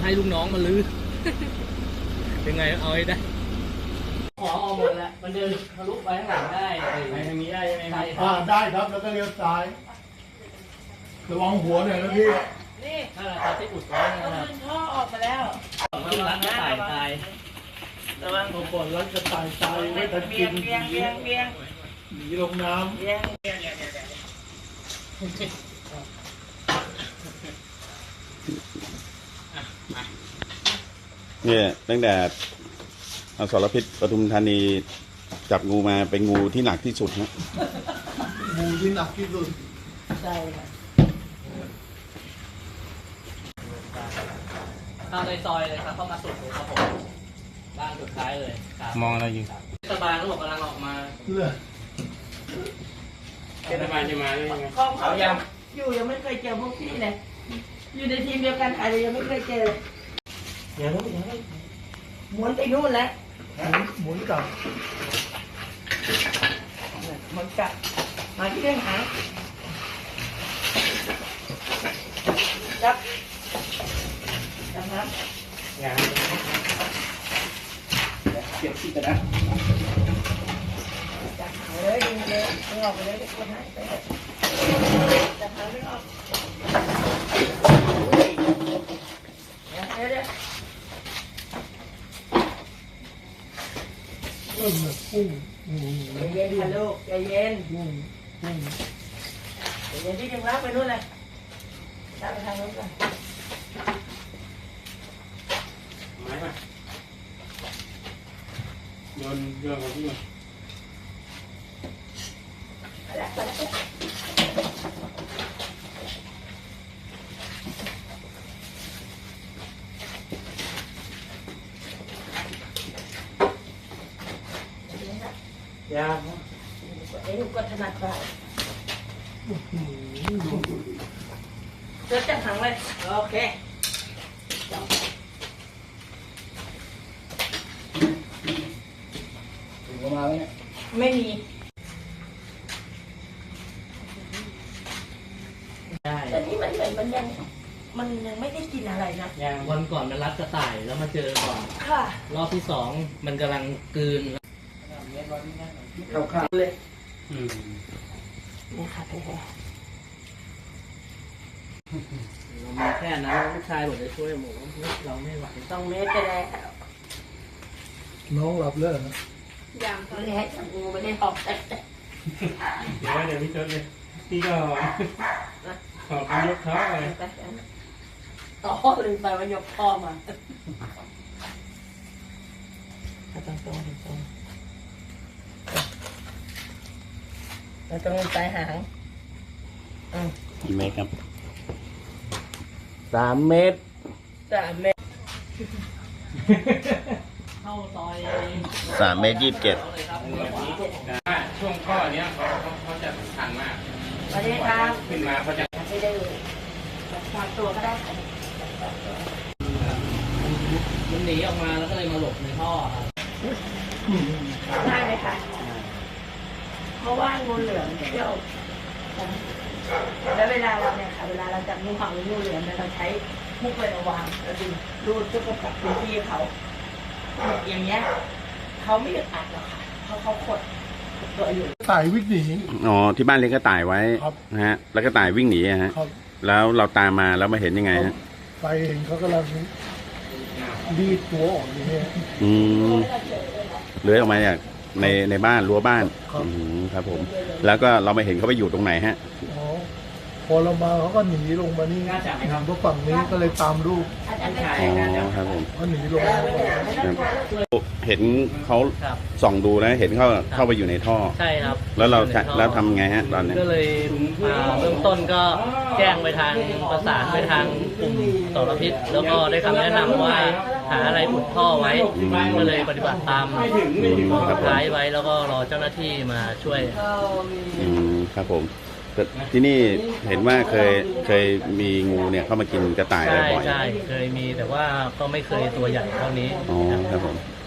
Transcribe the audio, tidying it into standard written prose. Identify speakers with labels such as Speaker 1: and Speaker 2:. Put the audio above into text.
Speaker 1: ให้ลูกน้องมาลื้อ ยังไงเอาให้ได้ขอออกหมดแล้วมันเดินทะลุไปข้างหลังได้ไปทางนี้ได้ใช่ไหมครับ
Speaker 2: ได้ครับแล้วก็เลี้ยวซ้ายระวังหัวหน่อยนะพี่
Speaker 3: นี่
Speaker 1: นั่นแหละครับที่อุดไว้นะ
Speaker 3: ก็
Speaker 1: ครับ
Speaker 3: ขึ้นท่อออกมาแล้ว
Speaker 1: ขึ้นรักก็ตายตาย
Speaker 3: ระวัง
Speaker 2: เอาก่อนแล้วจะตายไม่ทัน
Speaker 3: เบี
Speaker 2: กิ
Speaker 3: ย
Speaker 2: น
Speaker 3: งเบียงเบียงเบียง
Speaker 2: หนีลงน้
Speaker 3: เบียง
Speaker 4: เนี่ยตั้งแต่อสรพิษปทุมธานีจับงูมาเป็นงูที่หนักที่สุดนะ
Speaker 2: ำงูที่หนักที่สุด
Speaker 3: ใช่ค่ะ
Speaker 1: เข้าในซอยเลยครับเข้ามาสุดเลยครับผมบ้านสุดท้ายเลย
Speaker 4: มองอะไรอยู่
Speaker 1: เทศบาลเขาบอกกำลังออกมา
Speaker 2: เลือด
Speaker 1: เทศบาลจะมาได้ยังไง
Speaker 3: คลองเขายังยังไม่เคยเจอพวกพี่เลยอยู่ในทีมเดียวกันอะไรยังไม่เคยเจออย่ารู้ม้วนไปนู่นแล้ว
Speaker 2: หมุนกลับ
Speaker 3: มันกลับมาที่เรื่องหางจับครับ
Speaker 1: เก็บที่กระดาษ
Speaker 3: จับหางเลยดึงเลยดึงออกไปเลยทุกคนให้ไปจับหางดึงออกเดี๋ยว
Speaker 2: เริ่มแบบพุ่ง
Speaker 3: ใจเย็นค่ะลูกใจเย็น
Speaker 2: พุ่ง
Speaker 3: ใจเย็นที่ดึงลากไปนู่นเลยลากไปทางนู้นก่อน
Speaker 1: ไม้มาโยนของที่มา
Speaker 3: ยากไอ้ลูกก็ถนัดไปเจอจับหางเลยโอเค
Speaker 1: ถึงประมาณนี้
Speaker 3: ไม่มี
Speaker 1: ได้
Speaker 3: แต่นี่มันเหมือนมันยังไม่ได้กินอะไรนะ
Speaker 1: อย่างวันก่อนมันรัดกระต่ายแล้วมาเจอก่อน
Speaker 3: ค่ะ
Speaker 1: รอบที่สองมันกำลังกลืน
Speaker 3: ข้าวเลยนี่ค่ะพี่แพร
Speaker 1: เรามีแค่นั้นลูกชายบอกจะช่วยหมูเราไม่ไหว
Speaker 3: ต้องเมตรไปแล้ว
Speaker 2: น้องหลับแล้วนะ
Speaker 3: อย่างตอนนี้ให้จับงูไม่ได้หอบแต่
Speaker 5: เดี๋ยวพี่จดเลยพี่ก็ขอบยกเท้าไป
Speaker 3: ต่อลืมไปว่ายกพ่อมาตรงเราต้องใส่หาง
Speaker 4: กี่เมตรครับ
Speaker 1: 3 เมตร
Speaker 3: 3 เมตร
Speaker 1: เข้าซอย
Speaker 4: 3 เมตร 27
Speaker 5: ช่วงข้อเนี้ยเขาจะทันมาก
Speaker 3: สวัสดีครับ
Speaker 5: ขึ้นมาเขาจะ
Speaker 3: ไม่ได้ฝากตัวก็ได้ค่ะ
Speaker 1: มันหนีออกมาแล้วก็เลยมาหลบในท่อครับ
Speaker 3: ได้ไหมคะเพราะว่างูเหลือมเที่ยวแล้วเวลาเราเนี่ยค่ะเวลาเราจับงูเห่าหรืองูเหลือมเนี่ยเราใช้มุกไประวางเราดึงรูดเพื่อกำกับพื้นที่เขาอย่างเงี้ยเขาไม่อึดอัดหรอกค่ะเขาขดตัวอยู่
Speaker 2: ตายวิ่งหนี
Speaker 4: อ๋อที่บ้านเลี้ยงกระต่ายไว้
Speaker 2: ครับ
Speaker 4: นะฮะแล้วกระต่ายวิ่งหนีอะฮะ
Speaker 2: ครับ
Speaker 4: แล้วเราตามมาแล้วมาเห็นยังไงฮะ
Speaker 2: ไปเห็นเขากำลังดีดตัวออกอย่างเงี้ย
Speaker 4: อืมเลื้อยออกมาจากในบ้านรั้วบ้าน
Speaker 2: ครับ
Speaker 4: ครับผม แล้วก็เรามาเห็นเขาไปอยู่ตรงไหนฮะ
Speaker 2: อ๋อพอเรามาเขาก็หนีลงมานี่ทางพวกฝั่งนี้ก็เลยตามลูก
Speaker 4: อ๋อครับผม
Speaker 2: เขาหนีลงมา
Speaker 4: ครับเห็นเขา
Speaker 1: ครับ
Speaker 4: ส่องดูแล้วเห็นเข้าไปอยู่ในท่อ
Speaker 1: ใช่ครับ
Speaker 4: แล้วเราแล้วทำไงฮะตอนนี้
Speaker 1: ก็เลยเริ่มต้นก็แจ้งไปทางประสานไปทางกลุ่มสรพิษแล้วก็ได้คำแนะนำว่าหาอะไรอุดท่อไว้ก็เลยปฏิบัติตามท้ายไว้แล้วก็รอเจ้าหน้าที่มาช่วย
Speaker 4: ครับผมแต่ที่นี่เห็นว่าเคยมีงูเนี่ยเข้ามากินกระต่ายอะไร
Speaker 1: ใช่
Speaker 4: บ่อย
Speaker 1: ใช่เคยมีแต่ว่าก็ไม่เคยตัวใหญ่เท่านี้
Speaker 4: อ๋อครับผม